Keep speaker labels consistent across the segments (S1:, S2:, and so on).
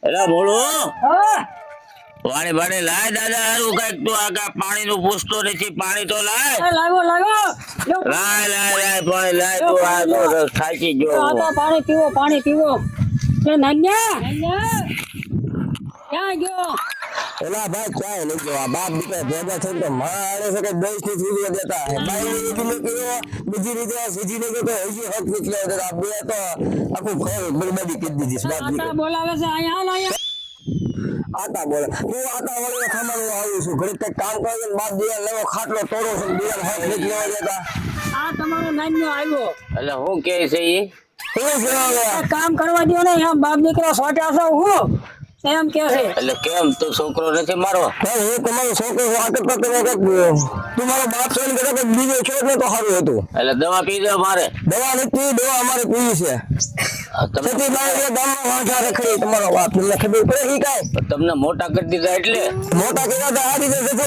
S1: એલા બોલું
S2: હા
S1: પાણી પાણી લાય દાદા હારું કઈક તું આગા પાણી નું પૂછતો નથી પાણી તો લાય
S2: લાવો લાવો
S1: લાય લાય લાય પાણી લાય તું આ તો થાકી ગયો
S2: આ તો પાણી પીવો એ નન્યા ક્યાં ગયો
S3: એલા ભાઈ ચાય લઈ ગયો બાપ દીકરા ભેગા થઈને તો મારે છે કે દેશ ની સુવિધા દેતા હે બાઈ ને કીધું બીજી રીતે સીધી ને કે હજી હક નીકળ્યો તો આ બે તો આખું ઘર બરબાદી કરી દીધી બાપ
S2: આટા
S3: દીકરા
S2: બોલાવે છે અહીંયા હાલ
S3: આટા બોલે હું આટા વળે ખાવાનું આવું છું ઘરે કઈ કામ કરે બાપ દીકરા લેવો ખાટલો તોડો છે દીકરા હક નીકળ્યો દેતા
S2: આ તમારો નાન્યો આવ્યો
S1: એટલે હું કે છે ઈ
S3: શું છે
S2: કામ કરવા દો ને એમ બાપ દીકરા સોટ્યા છો હું એમ કે છે
S1: એટલે કેમ તું છોકરો નથી મારો
S3: ભાઈ હું તમારો છોકરો આ કરતા તમે કઈક તું મારો બાપ છે ને કદાચ બીજો છો ને તો સારું હતું
S1: એટલે દવા પી દો મારે
S3: દવા નથી દવા અમારે પીવી છે
S1: તમે
S3: સતી બાઈ ગામમાં વાંચા રખડી તમારો બાપ તમને ખબર પડે ઈ કાઈ
S1: તમને મોટા કરી દીધા એટલે
S3: મોટા કર્યા તો આ રીતે જશે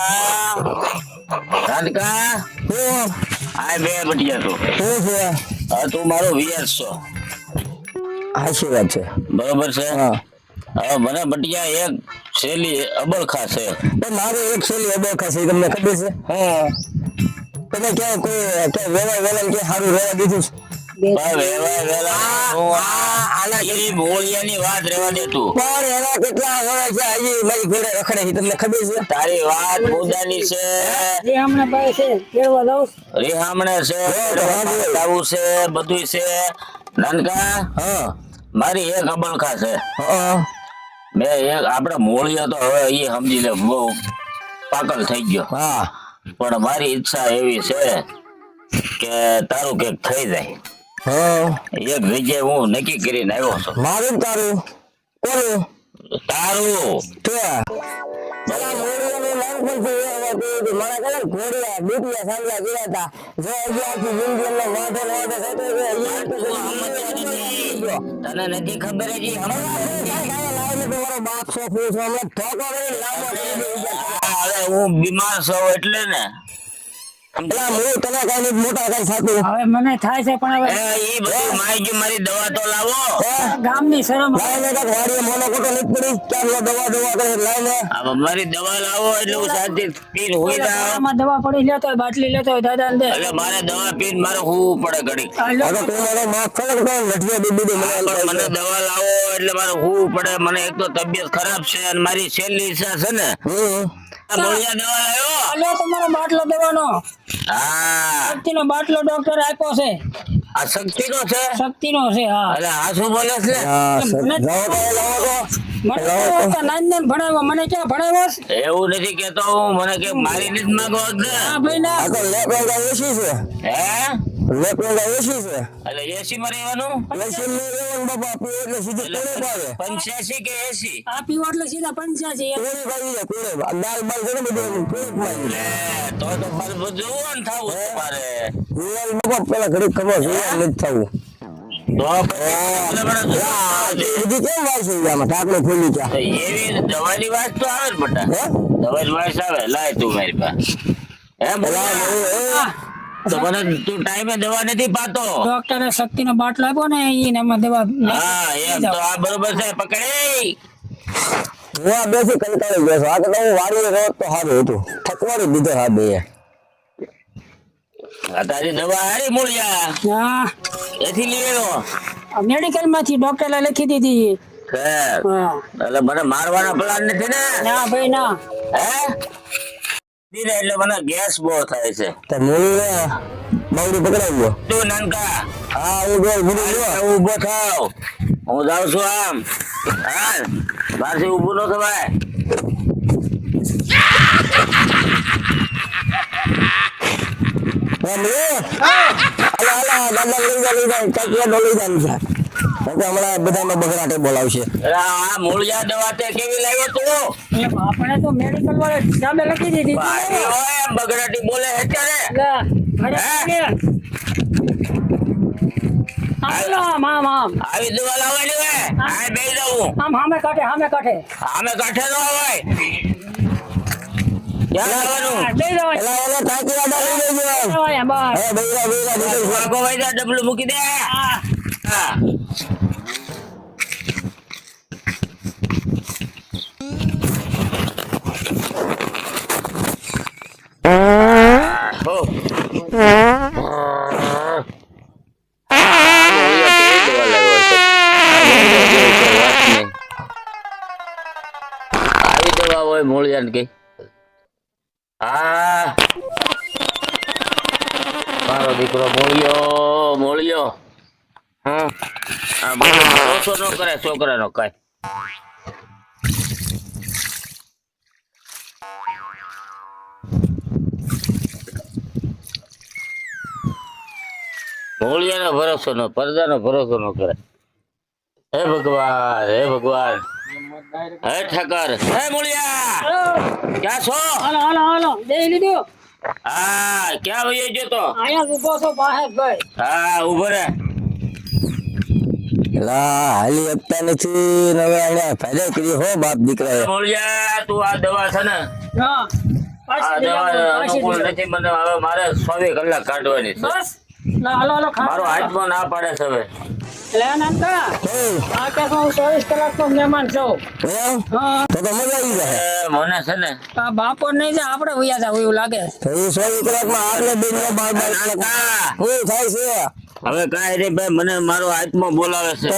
S1: રાધિકા
S3: હું
S1: આ બે બટિયા તું
S3: શું છે
S1: હા તું મારો વિયાર છો
S3: હાચી વાત છે
S1: બરોબર છે
S3: હા
S1: હવે મને બટિયા એક શેલી અબળખા છે
S3: તો મારે એક છેલ્લી અબોખા છે તમને ખબર છે
S1: હા
S3: તમે ક્યાં કોઈ ક્યાં વેલા વેલા કે સારું રહેવા દીધું
S1: મોળિયાની વાત રહેવા દે તું
S3: પણ એના કેટલા વર્ષ છે હજી મારી ઘોડે રખડે છે તમને ખબર છે
S1: તારી વાત મુદ્દાની છે
S2: જે હમણાં ભાઈ છે કેળવા દઉં
S1: રીહામણે છે આવું છે બધું છે નાનકા
S3: હા
S1: મારી એક અબળખા છે
S3: હા
S1: મેં એક આપડે મોળિયો તો હવે એ સમજી લે બહુ પાગલ થઈ ગયો
S3: હા
S1: પણ મારી ઈચ્છા એવી છે કે તારું કઈક થઈ જાય
S3: હા
S1: એક જગ્યાએ હું નક્કી કરીને આવ્યો છું
S3: મારું તારું કોનું
S1: તારું
S3: કે પેલા મોડિયાનું નામ પણ છે મારા કદાચ ઘોડિયા બીટિયા સાંભળા ગયા હતા જો હજી આખી જિંદગી એમનો વાંધો થતો
S1: તને નથી ખબર હજી
S3: તમારો બાપ છો ફૂલ છો હમણાં ઠોકો કરીને લાંબો કરી દે
S1: હવે હું બીમાર છું એટલે ને
S3: પેલા હું તને કઈ મોટા કઈ થતું
S2: હવે મને થાય છે પણ હવે
S1: ઈ બધું માઈ મારી દવા તો લાવો
S2: ગામની શરમ
S3: લાઈને કાંઈક વાડીએ મોનો ખોટો નથી પડી ક્યાં દવા દવા કરે લાઈને
S1: હવે મારી દવા લાવો એટલે હું શાંતિ પીને હોઈ જાઉં
S2: આમાં દવા પડી લેતો હોય બાટલી લેતો હોય દાદા ને દે
S1: એટલે મારે દવા પીને મારે હોવું પડે ઘડી
S3: હવે તું મને માફ કરે કે લઠિયા બીબી મને
S1: પણ મને દવા લાવો એટલે મારે હોવું પડે મને એક તો તબિયત ખરાબ છે અને મારી છેલ્લી ઈચ્છા છે ને મોળિયા દવા લાવ્યો
S2: લો તમારો બાટલો દવાનો
S1: હા
S2: શક્તિનો બાટલો ડોક્ટર આપ્યો છે
S1: આ શક્તિ નો છે
S2: શક્તિનો છે હા
S1: એટલે આ શું બોલે છે
S2: મને તો નાન ભણાવ્યો મને ક્યાં ભણાવ્યો છે?
S1: એવું નથી કેતો હું મને કે મારી નથી માંગો ને
S2: હા ભાઈ ના
S3: આ તો લેપેગા ઓછી છે
S1: હે
S3: લેપેગા ઓછી છે
S1: એટલે એસી માં રહેવાનું
S3: લેશન ને રેવન બાપા પીએ એટલે સીધું કોણે પાવે
S1: 85 કે 80
S2: આ પીવો એટલે સીધા 85
S3: કોણે પાવી જાય કોણે દાલ બાલ ઘણું બધું કોણે પાવી
S1: લે તો બધું જોવાનું થાવું તમારે
S3: રિયલ બાપા પેલા ઘડી ખબર રિયલ નથી થવું
S1: તો
S3: બીજી કેમ વાત છે આમાં ઢાકણું ખોલી ક્યાં
S1: એવી દવાની વાત તો આવે ને બટા
S3: હે
S1: દવાની વાત આવે લાય તું મારી પાસે હે બોલા તો મને તું ટાઈમે દવા નથી પાતો
S2: ડોક્ટરે શક્તિનો બાટલો આપ્યો ને એને એમાં દવા
S1: હા એમ તો આ બરોબર છે પકડી
S3: હું આ બેસી કંટાળી ગયો છું આ તો હું વાડીએ રોજ તો સારું હતું થકવાડી દીધો હા બે
S1: આ તારી દવા હારી મૂળિયા
S2: હા
S1: એથી લીધો
S2: મેડિકલ માંથી ડોક્ટરે લખી દીધી
S1: ખેર
S2: હા
S1: એટલે મને મારવાના પ્લાન નથી ને
S2: ના ભાઈ ના
S1: હે ધીરે એટલે મને ગેસ બહુ થાય છે
S3: તો મૂળ બાવડી પકડાઈ ગયો
S1: તું નાનકા
S3: હા હું ગયો ભૂલી ગયો
S1: ઉભો થાવ હું જાઉં છું આમ હા મારથી ઊભું ન થવાય
S3: હમણાં બધામાં બગડાટે બોલાવશે
S1: આ મૂળિયા દવા તે કેવી લાવ્યો તું
S2: આપણે તો મેડિકલ વાળા સામે લખી દીધી
S1: ભાઈ હોય એમ બગડાટી બોલે છે
S2: આમ આમ આમ
S1: આવી દવા લાવવાની હોય આ બે દઉં
S2: આમ સામે કાઢે
S1: આમે કાંઠે નો હોય ક્યાં લાવવાનું
S2: લઈ જાઓ
S3: એલા એલા તાકી વાડા લઈ લેજો
S2: બસ
S3: હે બૈરા બૈરા નીકળ
S1: વાગો ભાઈ જા ડબલું મૂકી દે હા બોલાવે મોળિયાને કઈ. હા મારો દીકરો મોળિયો મોળિયો. હા હા બોલો, ભરોસો ન કરે છોકરાનો કાંઈ. મોળિયાનો ભરોસો નો, પરદાનો ભરોસો ન કરે. હે ભગવાન હે ભગવાન. હે ઠાકર હે મોળિયા ક્યાં છો?
S2: હાલો હાલો હાલો જઈ લીધું.
S1: હા ક્યાં વયો ગયો તો?
S2: અહીંયા ઉભો છો બહાર ભાઈ.
S1: હા ઉભો રે.
S3: એલા હાલી આપતા નથી ને હવે એને ફાયદો કર્યો હો બાપ દીકરાએ.
S1: મોળિયા તું આ દવા છે ને,
S2: હા
S1: આ દવા અનુકૂળ નથી મને. હવે મારે 24 કલાક કાઢવાની છે.
S2: બસ હાલો હાલો
S1: મારો હાથમાં ના પાડે છે હવે.
S2: લે નાનકા આ કે હું 24 કલાકનો મહેમાન છું.
S3: એમ?
S2: હા
S3: તો મજા આવી જાય.
S1: મને છે ને
S2: આ બાપો નહીં જાય આપણે વયા જાવ એવું લાગે.
S3: તો એ 24 કલાકમાં આપણે બેન બાર બાર કલાક
S1: નાનકા,
S3: શું થાય છે?
S1: હવે કાંઈ નહીં ભાઈ, મને મારો હાથમાં બોલાવે છે.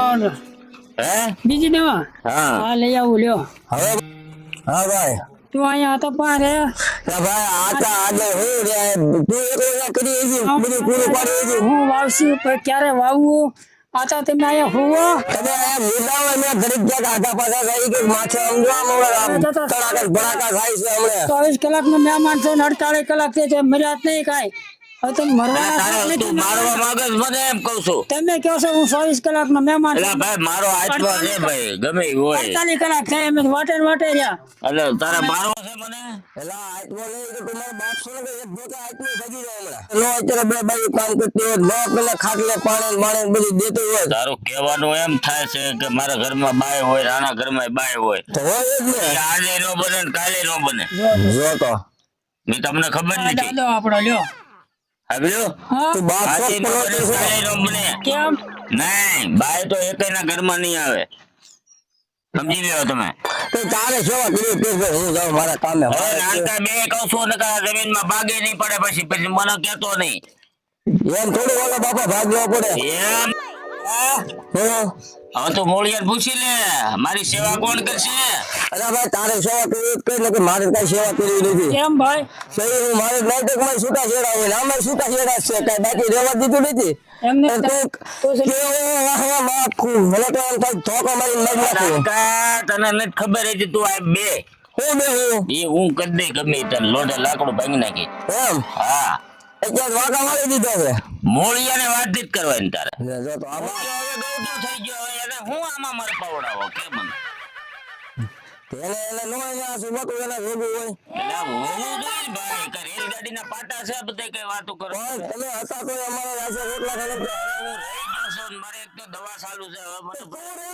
S1: હે
S2: બીજી દવા
S1: હા
S2: હા લઈ આવું લ્યો.
S3: હવે હા ભાઈ
S2: તું અહીંયા હતો પણ રે
S3: ભાઈ આટા આજે હું રે તું એકલા કરી એજી બધું પૂરું પાડી એજી
S2: હું વાવશું પણ ક્યારે વાવવું આ તો તમે અહીંયા હુવો.
S3: તમે આ મુદ્દાઓ મેં ઘડીક ક્યાંક આધા પાછા થઈ કે માથે સમજવા તડાકા ભડાકા થાય છે હમણે
S2: 24 કલાકનો મહેમાન છો ને 48 કલાક છે મર્યાદ નહીં કાંઈ. હવે તમે મરવાના
S1: તારે
S2: છો
S1: તું
S2: નહીં.
S1: મારવા માંગે છે મને એમ કહું છું.
S2: તમે કહો છો હું 24 કલાકનો મહેમાન
S1: એટલે
S2: છું.
S1: ભાઈ મારો હાથમાં છે ભાઈ, ગમે ઈ હોય.
S2: 48 કલાક થાય એમ વાટે ને વાટે રહ્યા.
S1: એટલે તારે મારવો છે મને?
S3: એલા આત્મો નહીં તો તમારા બાપ છો ને એક જોતા આત્મો ભજી જાય હમણાં નો અત્યારે બે બાઈ કામ કરતી હોય નો પેલા ખાટલે પાણી બાણી બધું દેતું હોય
S1: તારું કહેવાનું એમ થાય છે કે મારા ઘરમાં બાય હોય, રાણા ઘરમાં બાય હોય.
S3: તો હોય જ ને
S1: એટલે આજે નો બને ને કાલે નો બને.
S3: જો તો
S1: મેં તમને ખબર
S2: આ
S1: નથી.
S2: દાદો આપણો લ્યો.
S1: આવ્યો
S2: હા
S3: તું બાપ છો
S1: આજે નો
S3: પેલો
S1: બને
S3: તો છે.
S1: કાલે નો બને.
S2: કેમ
S1: નહીં બાય તો એકેયના ઘરમાં નહીં આવે. સમજી લ્યો તમે.
S3: તો તારે સેવા કરી તે હું જાઉં મારા કામે
S1: હવે નાનકા બે કહું છું ને કે આ જમીનમાં ભાગે નહીં પડે પછી પછી મને કહેતો નહીં.
S3: એમ થોડું ઓલો બાપા ભાગ લેવો પડે
S1: એમ
S3: હા
S1: હવે તો મોળિયાને પૂછી લે મારી સેવા કોણ કરશે?
S3: અરે ભાઈ તારે સેવા કરવી જ કરી કે મારે કઈ સેવા કરવી નથી
S2: કેમ ભાઈ
S3: સહી હું મારે નાટકમાં છૂટા છેડા હોય ને આમાં છૂટા છેડા જ છે કઈ બાકી રહેવા દીધું નથી
S2: એમને
S3: અને તું કેવો વાહવા માખું મને તો એમ થાય ધોકો મારીને મરી નાખું
S1: નાનકા તને નથી ખબર હતી તું આ બે
S3: હું બે હું
S1: એ હું કરી દઈ ગમે તને લોઢે લાકડું ભાંગી નાખી.
S3: એમ
S1: હા
S3: અત્યારે વાંકા મારી દીધો છે
S1: મોળિયાને વાત જ કરવાની તારે.
S3: લે જો તો આમાં
S1: મોળિયો હવે ગૌઠો થઈ ગયો હવે એને હું આમાં મારે પાવડાવો કે મને
S3: એને એને નો એને આ સુબતું એને ભેગું હોય
S1: એટલે આ હોવું જોઈએ ને ભાઈ કે રેલગાડીના પાટા છે બધે કઈ વાતો કરો.
S3: પણ તમે હતા તો અમારા રાસે રોટલા ખાને
S1: હું રહી ગયો છું ને મારે એક તો દવા ચાલુ છે હવે મને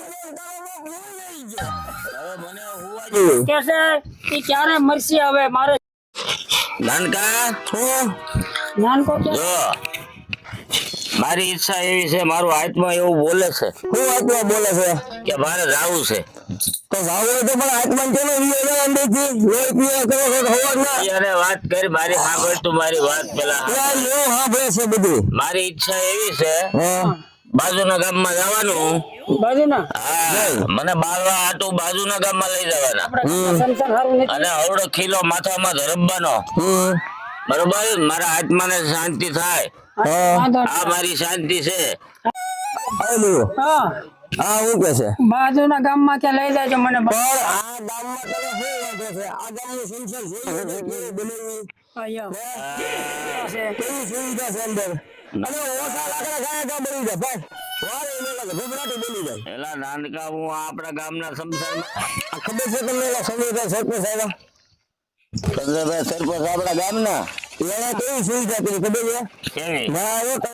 S1: મને હોવા જોઈએ.
S2: કે છે એ ક્યારે મરશે હવે મારે
S1: નાનકા
S2: નાનકો કે
S1: જો મારી ઈચ્છા એવી છે, મારું હાથમાં એવું બોલે છે
S3: હું આત્મા બોલે છે
S1: કે મારે જાવું છે.
S3: તો જાવ હોય તો પણ આત્મા કેનો વિયો અંદરથી લોહી પીવા કરો છો તો હોવા ના
S1: એને વાત કરી મારી સાંભળ તું મારી વાત પેલા.
S3: યાર લો હાંભળે છે બધું
S1: મારી ઈચ્છા એવી છે
S3: હા
S1: બાજુના ગામમાં જવાનું.
S2: બાજુના
S1: હા મને બાળવા હાટું બાજુના ગામમાં લઈ જવાના
S2: સંસાર સારું નથી.
S1: અને અવડો ખીલો માથામાં ધરબવાનો. બરોબર મારા આત્માને શાંતિ થાય.
S2: વાંધો
S1: આ મારી શાંતિ છે.
S3: આવેલું
S2: હા
S3: હા હું કે છે
S2: બાજુના ગામમાં ક્યાં લઈ જાય મને
S3: પણ આ ગામમાં તને શું વાંધો છે આ ગામનું સંસાર જોયું છે કેવું બનાવ્યું કેવી સુવિધા છે અંદર અને ઓછા લાકડા ખાયા કા બની જાય ભાઈ વારે એને લાગે ભભરાટી બની જાય
S1: એલા નાનકા હું આપણા ગામના સંસારમાં
S3: આ ખબર છે તમને એલા સમીરભાઈ સરપંચ આવ્યા
S1: ચંદ્રભાઈ સરપંચ આપણા ગામના
S3: એને કેવી સુવિધા કરી ખબર છે
S1: કેવી
S3: ના